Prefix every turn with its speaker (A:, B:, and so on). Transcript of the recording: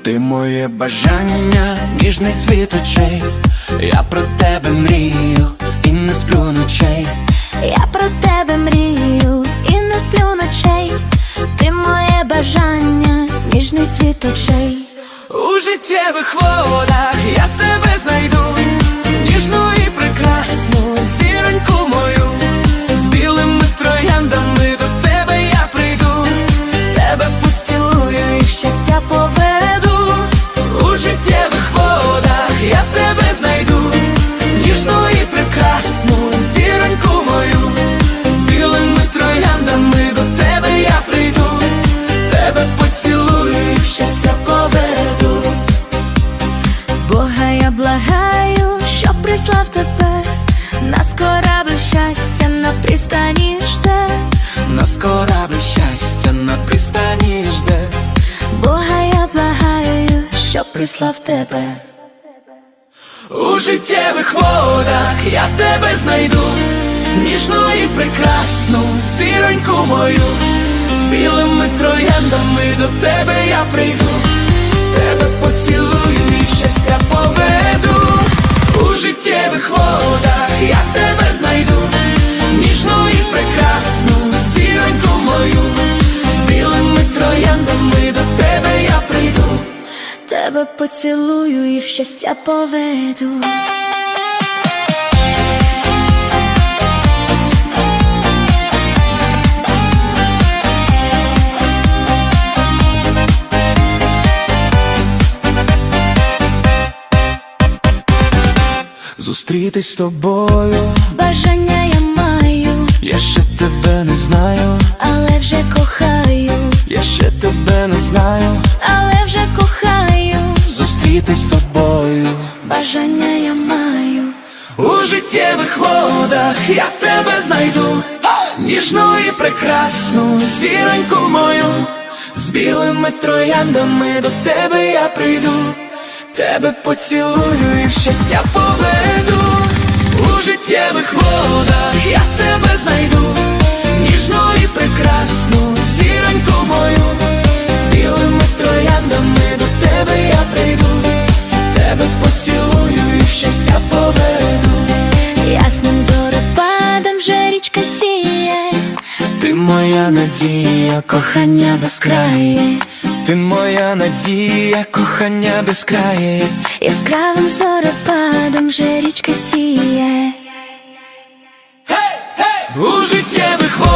A: Ти моє бажання, ніжний світ очей. Я про тебе мрію і не сплю ночей.
B: Я про тебе мрію і не сплю ночей. Ти моє бажання, ніжний цвіт очей.
A: У життєвих водах я тебе знайду, ніжну і прекрасну зіроньку мою. З білими трояндами до тебе я прийду, тебе поцілую і в щастя поведу. У життєвих водах я тебе знайду, ніжну і прекрасну зіроньку мою. З білими трояндами до тебе я прийду, тебе поцілую і в щастя поведу.
B: Бога я благаю, щоб прислав тебе. Нас корабль щастя на пристані жде.
A: Нас корабль щастя на пристані жде.
B: Бога я благаю, щоб прислав тебе.
A: У життєвих водах я тебе знайду, ніжну і прекрасну зіроньку мою. З білими трояндами до тебе я прийду, тебе поцілую і в щастя поведу. У життєвих водах я тебе знайду, ніжну і прекрасну зіроньку мою. З білими трояндами до тебе я прийду,
B: Тебе поцілую і в щастя поведу.
A: зустрітись з тобою.
B: Бажання я маю,
A: Я ще тебе не знаю,
B: але вже кохаю.
A: я ще тебе не знаю.
B: Але вже кохаю.
A: Зустрітись з тобою.
B: Бажання я маю.
A: У життєвих водах я тебе знайду, ніжну і прекрасну зіроньку мою. З білими трояндами до тебе я прийду, тебе поцілую і в щастя поведу. У життєвих водах я тебе знайду, ніжну і прекрасну зіроньку мою. З білими трояндами до тебе я прийду, тебе поцілую і в щастя поведу.
B: Ясним зорепадом вже річка сіє.
A: Ти моя надія, кохання безкрає. Ти моя надія, кохання безкрає.
B: Яскравим зорепадом вже річка сіє.
A: У життєвих водах